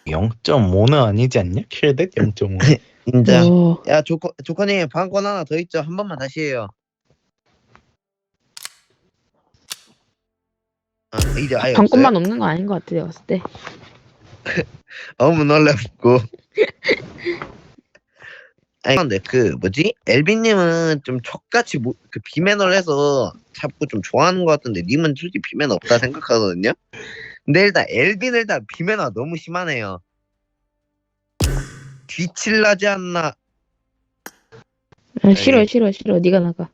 0.5는 아니지 않냐? 킬덱 0.5. 인정. 오. 야 조커님 방권 하나 더 있죠. 한 번만 다시 해요. 이제 아예 방권만 없어요? 없는 거 아닌 것 같아 내가 봤을 때. 너무 놀랍고. 아니 근데 그 뭐지? 엘빈님은 좀 척같이 그 비매너를 해서 자꾸 좀 좋아하는 것 같은데 님은 솔직히 비매너 없다 생각하거든요. 근데 일단 엘빈은 일단 비매너 너무 심하네요. 뒤칠라지 않나? 싫어 싫어 싫어. 네가 나가.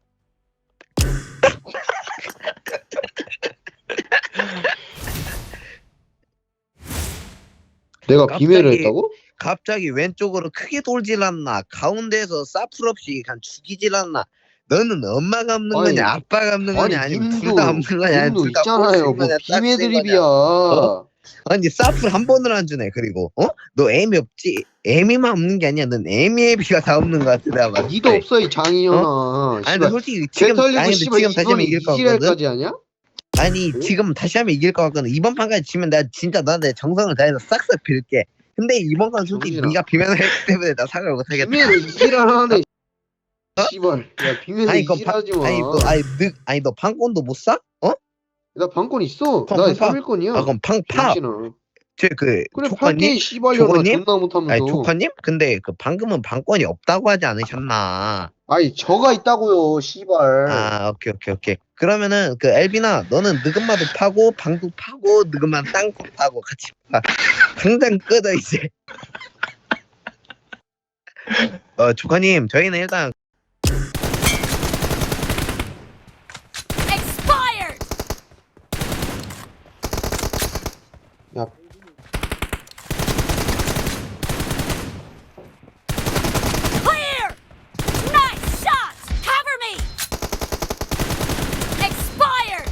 내가 갑자기- 비매를 했다고? 갑자기 왼쪽으로 크게 돌질 않나? 가운데에서 사풀 없이 그냥 죽이질 않나? 너는 엄마가 없는 아니, 거냐? 아빠가 없는 거냐? 아니면 둘 님도 다 없는 거냐? 아니면 님도 둘다 있잖아요. 뭐 비매 드립이야. 아니 사풀 한 번을 안 주네. 그리고 너 애미 없지? 애미만 없는 게 아니야. 넌 애미애비가 다 없는 것 같아. 내가 봤을 니도 때. 없어 이 장인연아. 아니 근데 솔직히 지금 개털리고 아니 근데 씨발 지금 다시 하면 이번에 이길 것 같거든. 이지랄까지 하냐? 아니 응? 지금 다시 하면 이길 것 같거든. 이번 판까지 지면 내가 진짜 너한테 정성을 다해서 싹싹 빌게. 근데 이번 건 솔직히 정신아. 네가 비면을 했기 때문에 나 사과를 못하겠다. 비매를 이지랄하네. 씨발. 야 비매를 아니 그 이지랄하지 마. 아니 너 판권도 못 사? 나 방권 있어. 그럼 나 판 파. 3일권이야. 아 그럼 팡파. 쟤그 그래 조카님? 팔게 씨발려라 조커님? 존나 못하면서. 아니 조카님? 근데 그 방금은 방권이 없다고 하지 않으셨나? 아니 저가 있다고요 씨발. 아 오케이. 그러면은 그 엘비나 너는 느금마도 파고 방도 파고 느금마 땅콩 파고 같이 파. 당장 끄어 이제. 조카님 저희는 일단 Expired! 야 Clear! Nice shot! Cover me! Expired!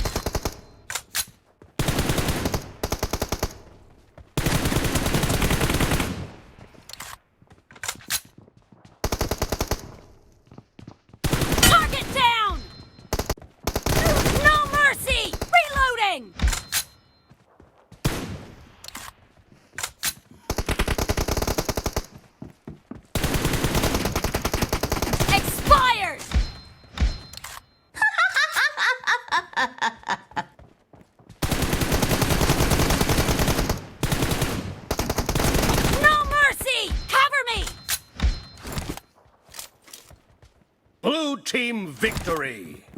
Target down! No mercy! Reloading! Expired! No mercy! Cover me! Blue team victory!